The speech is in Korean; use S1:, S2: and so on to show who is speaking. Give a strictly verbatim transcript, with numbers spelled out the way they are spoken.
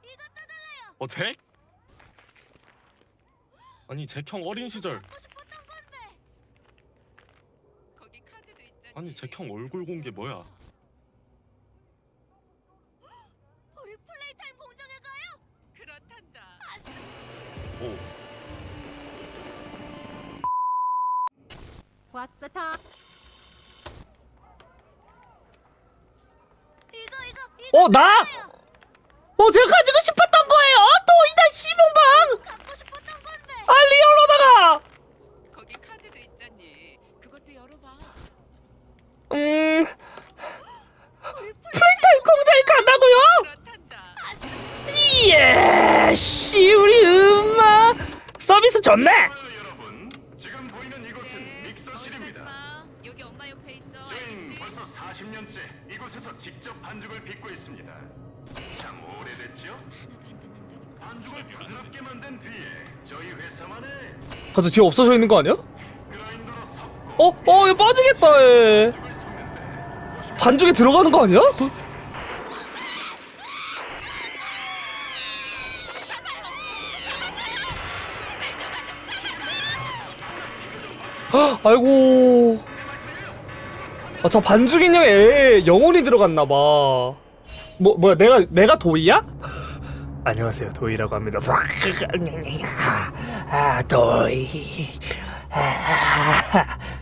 S1: 어, 잭? 아니, 잭 형 어린 시절. 아니, 잭 형 얼굴 공개 뭐야?
S2: 우리 플레이타임 공장에 가요? 그렇단다.
S1: 오.
S2: 왔어 다. 이거 이거 이거.
S3: 어, 나? 어, 제가 가지고 싶었던 거예요. 도이다 시봉방.
S2: 갖고 싶었던 건데.
S3: 아, 리얼로다가.
S2: 거기 카드도 있잖니. 그것도 열어봐.
S3: 음. 플레이타임 공장에 간다고요?
S2: 그렇단다.
S3: 예, 씨, 우리 음마 서비스 좋네.
S4: 여러분, 지금 보이는 이곳은 믹서실입니다.
S2: 마, 여기 엄마 옆에 있어.
S4: 저희는 벌써 사십 년째 이곳에서 직접 반죽을 빚고 있습니다. 참 오래됐죠? 반죽을 부드럽게 만든 뒤에 저희 회사만의
S3: 가서 뒤에 없어져 있는 거 아니야?
S4: 그라인더로 섞고
S3: 어, 어, 이거 빠지겠다. 얘.
S4: 반죽을 섞는데
S3: 반죽에 들어가는 거 아니야? 도... 헉, 아이고. 아, 저 반죽 인형에 영혼이 들어갔나 봐. 뭐 뭐야, 내가 내가 도이야? 안녕하세요, 도이라고 합니다. 아, 도이. 아,